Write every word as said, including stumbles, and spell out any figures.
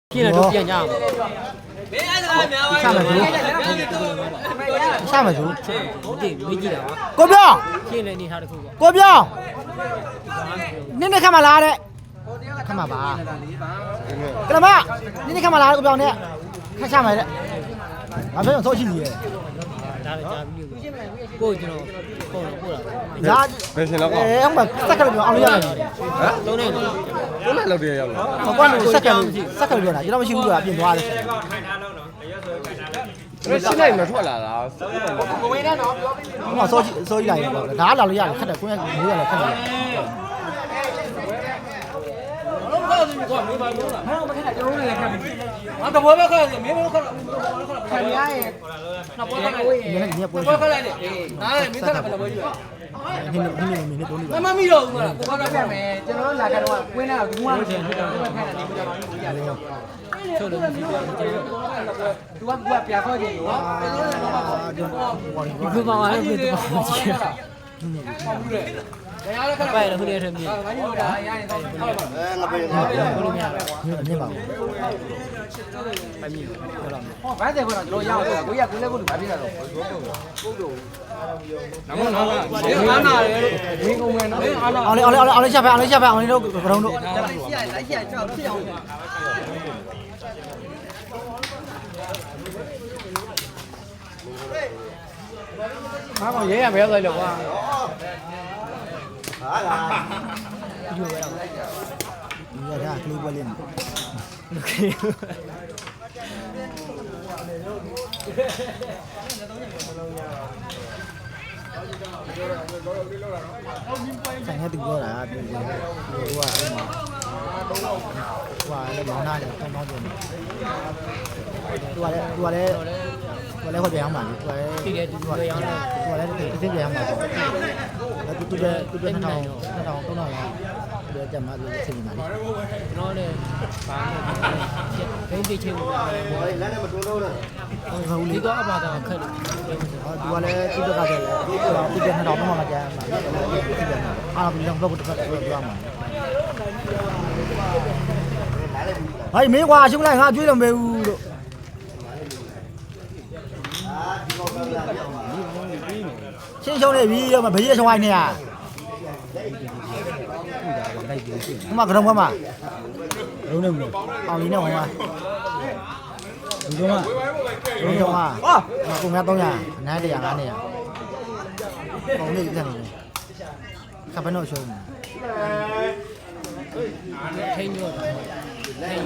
ရှင်းတော့ပြန်ကြအောင်မင်းအဲ့ဒါများပါရှာမယ်သူရှာမယ်သူဒီမေးကြည့်တာကိုပြောရှင်းနေနေထားတခုပေါ့ကိုပြောနင်းနေခါမလားတဲ့ခါမပါကလမနင်းနေခါမလားကိုပြောနဲ့ခါရှာမယ်တဲ့ဘာဖြစ်လို့ဆိုရှိနေလဲဒါလည်းကြာပြီကိုကျွန်တော်ပို့တော့ပို့တာဒါဘယ်ရှင်တော့ကောအဲဟိုမှာစက်ကလေးပြောအောင်လို့ရတယ်ဟမ်သုံးနေတော့သုံးနေလောက်တည်းရောက်လာဟိုကတော့စက်ကလေးစက်ကလေးပြောတာကျွန်တော်မရှိဘူးဆိုတာပြင်သွားတယ်ခိုင်ထားတော့နော်ရှင်းလိုက်မထွက်လာတာကိုဝေးတဲ့နော်ပြောပြီးဟိုမှာစောကြီးစောကြီးလိုက်တော့ဒါလာလို့ရတယ်ခက်တယ်ကိုယ်ကမိုးရလဲခက်တယ်ဘာလို့ခေါ်နေပါလို့လားမဟုတ်မခက်တာကျွန်တော်လည်းခက်ပြီငါတဘောပဲခက်တယ်မင်းမခက်တော့ခက်ရရဲ့နှစ်ဘောခက်လိုက်နေနေပွဲခက်လိုက်နေနားလည်းမင်းခက်တာဘယ်လိုပွဲကြီးလဲနင်းနင်းနင်းနင်းတော့မမမီတော့ဘူးလားကိုကတော့ပြမယ်ကျွန်တော်တို့လာကတော့ကွင်းတာဘူးမှမထင်ဘူးတော့ခက်တာနေကြတော့ဘူးရတယ်ထုတ်လို့ဒီပြောသူကကပြခေါ်ကြည့်ရောဒီကောင်ကလည်းဒီကောင်ကြီးရဟုတ်တယ်တရားလည်းခက်ပါရဲ့ခုတည်းထမင်းငါကြီးတို့ဒါရရင်တော့ဟုတ်ပါအဲငါပြေဘုလို့မရဘူးအမြင်ပါဘူးမမြင်ဘူးပြောလာမယ်ဟောဘာတဲ့ခေါ်တော့ကျွန်တော်ရအောင်ကိုရကိုလည်းကိုလူဘာဖြစ်တာတော့ပုတ်တော့နမောနာဒီအာနာလေဒီကုံမယ်နော်အောင်လေအောင်လေအောင်လေချက်ပဲအောင်လေချက်ပဲအောင်လေတို့ကရုံးတို့လိုက်ရှိရလိုက်ရှိရကြောက်ဖြစ်အောင်မကောင်ရဲရမဲလိုက်လို့ကွာဟာလားဒီလိုပဲတော့ဒီကကလေးပွဲလေးโอเคဆိုင်ရတူပြောတာတူဟိုကအဲ့မှာဟိုကလည်းမောင်းနာတယ်တောင်းတောင်းပြောနေသူကလည်းသူကလည်းသူကလည်းခေါ်ပြန်အောင်ပါလေသူကလည်းတည်တယ်သူကလည်းသူကလည်းတစ်သိပြန်အောင်ပါတော့သူသူလည်းသူလည်းနှစ်ထောင်နှစ်ထောင်သုံးထောင်လောက်ဒီကြမှာလို့သိနေပါလေကျွန်တော်လည်းဘာလဲဘိန်းတိချင်းကိုလမ်းနဲ့မတွန်းတော့ဘူးဟုတ်လေတော့အပါတော့ခက်တယ်သူကလည်းသူတက်ကတည်းကသူကနှစ်ထောင်သုံးထောင်လောက်ကြာမှာအားလုံးလုံးတော့တစ်ခါတော့ပြောမှာဟိုင်းမင်းကွာရှုံးလိုက်ငါကျွေးတော့မဘူးလို့ရှင်းရှုံးနေပြီတော့မဘေးရရှုံးလိုက်နေရဟိုမှာကတော့မှာလုံးနေဘူးအောင်လေးနဲ့ဟိုမှာဒီတော့မှာဒီတော့မှာဟာကိုများတော့ရအနည်းတရာငါးနေရပုံလေးတက်နေတယ်ခပ်ဘယ်တော့ရှုံးထိန်းရော